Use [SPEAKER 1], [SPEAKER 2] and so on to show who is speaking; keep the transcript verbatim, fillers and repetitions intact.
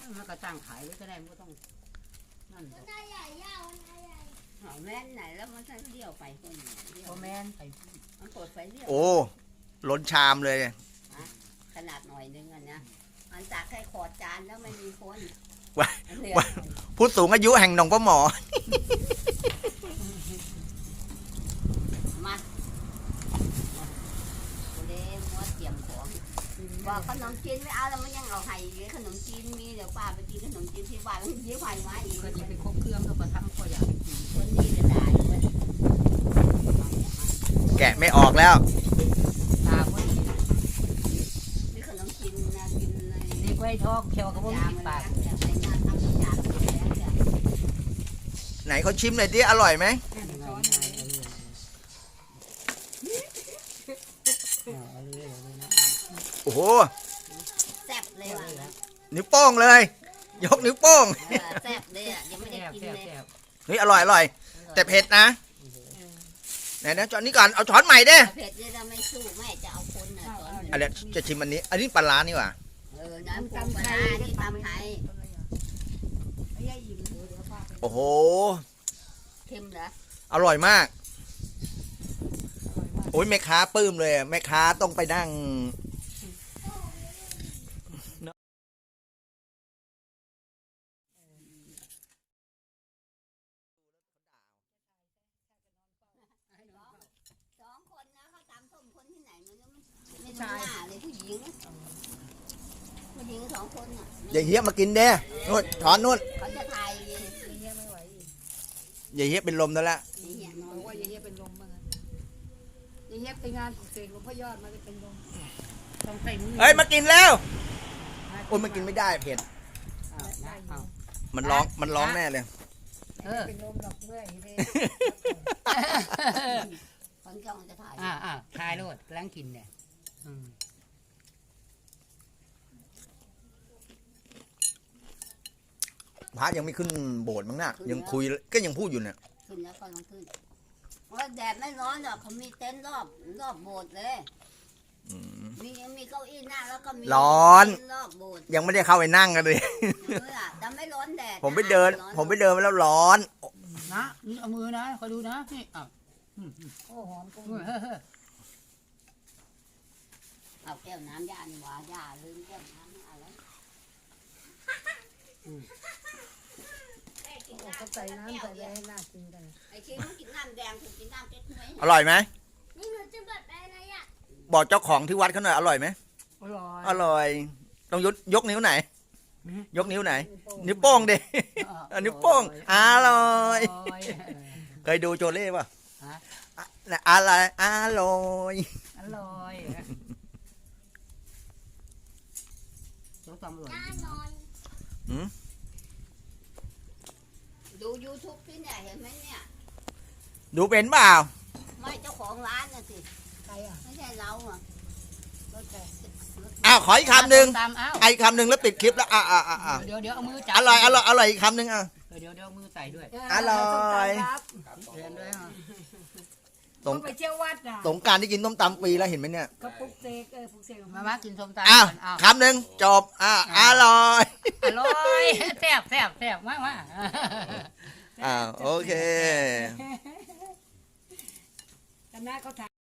[SPEAKER 1] มันก็ตั้งขายไว้ก็ได้ไม่ต้องนั่นหรอก
[SPEAKER 2] ได้ใหญ่ยาวได้ใหญ่หอมแม่นไหนแล้วมันเลี้ยวไปคนเลี้ยว
[SPEAKER 1] พอแม่นไป
[SPEAKER 2] มันเปิดไฟเลี้ยว
[SPEAKER 3] โอ้ล้นชามเลย
[SPEAKER 2] ขนาดหน่อยนึงอ่ะนะมันจากแค่ขอดจานแล้วไม่มีคน
[SPEAKER 3] ว้าผู้สูงอายุแห่งหนองพ่อหมอ
[SPEAKER 2] มาเด้มัวเตรียมของบอกขนมจีนไม่เอาแล้วมันยังเอาไห้ขนมจีนมีเดี๋ยวป้าไปกินขนมจีนที่บ้านแล้วเดี๋ยวไห้มาอีก
[SPEAKER 1] ก็จะไปครบเครื่องก็ประทับก็อยากไปกิน
[SPEAKER 2] คนนี้จะได้เว้ย
[SPEAKER 3] แกะไม่ออกแล้ว
[SPEAKER 1] ตาก็ดี
[SPEAKER 2] นี่ขนมจีนนะกินเลย
[SPEAKER 1] เด็กไว้ท้องเขียวก็บ่มีปาก
[SPEAKER 2] ในงานทำทุกอย่างแล้วจ้ะ
[SPEAKER 3] ไหนเขาชิมหน่อยดิอร่อยไหมโอ้โห
[SPEAKER 2] แซ่บเลยว่ะ
[SPEAKER 3] นิ้วโป้งเลย ยกนิ้วโป้ง
[SPEAKER 2] เออแซ่บเลยอ่ะยังไม่ได้
[SPEAKER 1] แซ่บ
[SPEAKER 2] กิน
[SPEAKER 1] แซ่บ
[SPEAKER 2] เลย
[SPEAKER 1] แซ่บ
[SPEAKER 3] เฮ้ยอร่อยอร่อยแต่เผ็ดนะไหนนะจอนนี้ก่อนเอาช้อนใหม่เด้
[SPEAKER 2] เผ็ดเนี่ยเราไม่สู้แม่จะเอาคนน่ะสอน
[SPEAKER 3] อันนี้จะชิมอันนี้ อันนี้ปลาร้านี่หว่า
[SPEAKER 2] เออน้ำตำไทยนี่ตำไทย
[SPEAKER 3] โอ้โห
[SPEAKER 2] เค็มเหรอ
[SPEAKER 3] อร่อยมาก โอ้ยแม่ค้าปลื้มเลยแม่ค้าต้องไปนั่ง
[SPEAKER 2] สองคนนะเขาตำส้มคนที่ไหนมันไม่ใช่เลยผู้หญิงผู้หญิงสองคนอ่ะ
[SPEAKER 3] อย่าเฮี้ยมากินเด้นู่นช้อนนู่น
[SPEAKER 2] เขาจะถ่าย
[SPEAKER 3] อย่าเฮี้ยเป็นลมแล้วละ
[SPEAKER 2] นี่เนี่ยนอน
[SPEAKER 1] บอกว่าอย่างเงี้ยเป็นลมบ้างอย่างเงี้ยไปงานเสกหลวงพ่อยอดมาจะเป็นลมต้องใส่มือ
[SPEAKER 3] เฮ้ยมากินแล้วโอ้ยมันกินไม่ได้เผ็ด
[SPEAKER 1] อ้าวได้เอา
[SPEAKER 3] มันร้องมันร้องแน่เลย
[SPEAKER 1] เออ
[SPEAKER 4] เป็นลมดอกเมื่อยเลย
[SPEAKER 2] คนจ้องจะถ่าย
[SPEAKER 1] อ่าอ่าทายโลดล้างกินเนี่ยอืม
[SPEAKER 3] พระยังไม่ขึ้นโบสถ์มั้งน่ะยังคุยก็ยังพูดอยู่เนี่ย
[SPEAKER 2] ขึ้นแล้วก็ลงขึ้นว่าแดดไม่ร้อนหรอกเขามีเต็นท์รอบรอบโบสถ์เลย
[SPEAKER 3] อืม
[SPEAKER 2] มียังมีเก้าอี้นั่งแล้วก็มี
[SPEAKER 3] ร้อน
[SPEAKER 2] เต็ท์รอบโบสถ์
[SPEAKER 3] ยังไม่ได้เข้าไปนั่งกันเลย
[SPEAKER 2] เออแต่ไม่ร้อนแดด
[SPEAKER 3] ผมไปเดิน
[SPEAKER 2] ร้อ
[SPEAKER 3] ผมไปเดินมาแล้วร้อน
[SPEAKER 1] นะนี่เอามือนะคอยดูนะนี่อ้าว
[SPEAKER 4] โอ้หอมกุ้ง
[SPEAKER 1] เฮ้ยเฮ้ย
[SPEAKER 2] เอาแก้วน้ำยานี่หว่าย่าลืมแก้วน้ำอะไร
[SPEAKER 4] เขาใส่น้ำใส่แรงน่ากินกัน
[SPEAKER 2] ไอ้คิดมันกินน้ำแดงถูกกินน้ำเก๊กฮวย
[SPEAKER 3] อร่อยไหม
[SPEAKER 2] นี่หนูจะแบบอะไรอ่ะ
[SPEAKER 3] บอกเจ้าของที่วัดเขาหน่อยอร่อยไหม
[SPEAKER 1] อร่อย
[SPEAKER 3] อร่อย ต้องยกยกนิ้วไหน ยกนิ้วไหน นิ้วโป้งดิเอานิ้วโป้งอร่อย เคยดูโจเล่ป่ะ
[SPEAKER 1] ฮะ
[SPEAKER 3] อะน่ะอะไรอร่อย
[SPEAKER 1] อร่อยเจ้าตำอร่อย
[SPEAKER 2] น่านอน
[SPEAKER 3] หืม
[SPEAKER 2] ดูยูทูบที่เนี่ยเห็นไหมเนี่ย
[SPEAKER 3] ดูเป็นเปล่า
[SPEAKER 2] ไม่เจ้าของร้านน่ะสิ
[SPEAKER 4] ใครอ่ะ
[SPEAKER 2] ไม่ใช่เราอ่ะ
[SPEAKER 4] ก็แต่
[SPEAKER 3] อ้าวขออีกคำหนึ่ง
[SPEAKER 1] ตามอ้าว
[SPEAKER 3] ไอ้คำหนึ่งแล้วปิดคลิปแล้วอ่ะอ่ะอ่ะอ่ะ
[SPEAKER 1] เดี๋ยวเดี๋ยวเอามือจับ
[SPEAKER 3] อร่อยอร่อยอร่อยอีกคำหนึ่งอ่ะ
[SPEAKER 1] เดี๋ยวเดี๋ยวเอามือใส่ด้วย
[SPEAKER 3] อร่อย
[SPEAKER 1] เรียนด้วยฮะ
[SPEAKER 3] สง
[SPEAKER 4] เขาไปเที่ยววัดอ่ะ
[SPEAKER 3] สงกรารที่กินต้มตำปีแล้วเห็นไหมเนี่ย
[SPEAKER 4] เขาปลุกเสกเออปลุกเสก
[SPEAKER 1] มามากินส้มตำ
[SPEAKER 3] อ้าว
[SPEAKER 1] กันอ้าว
[SPEAKER 3] คำหนึ่งจบอ่ะอร่อย
[SPEAKER 1] อร่อยแซ่บแซ่บแซ่บมากมาก
[SPEAKER 3] อ้าวโอเค
[SPEAKER 4] คณะเขาถ่าย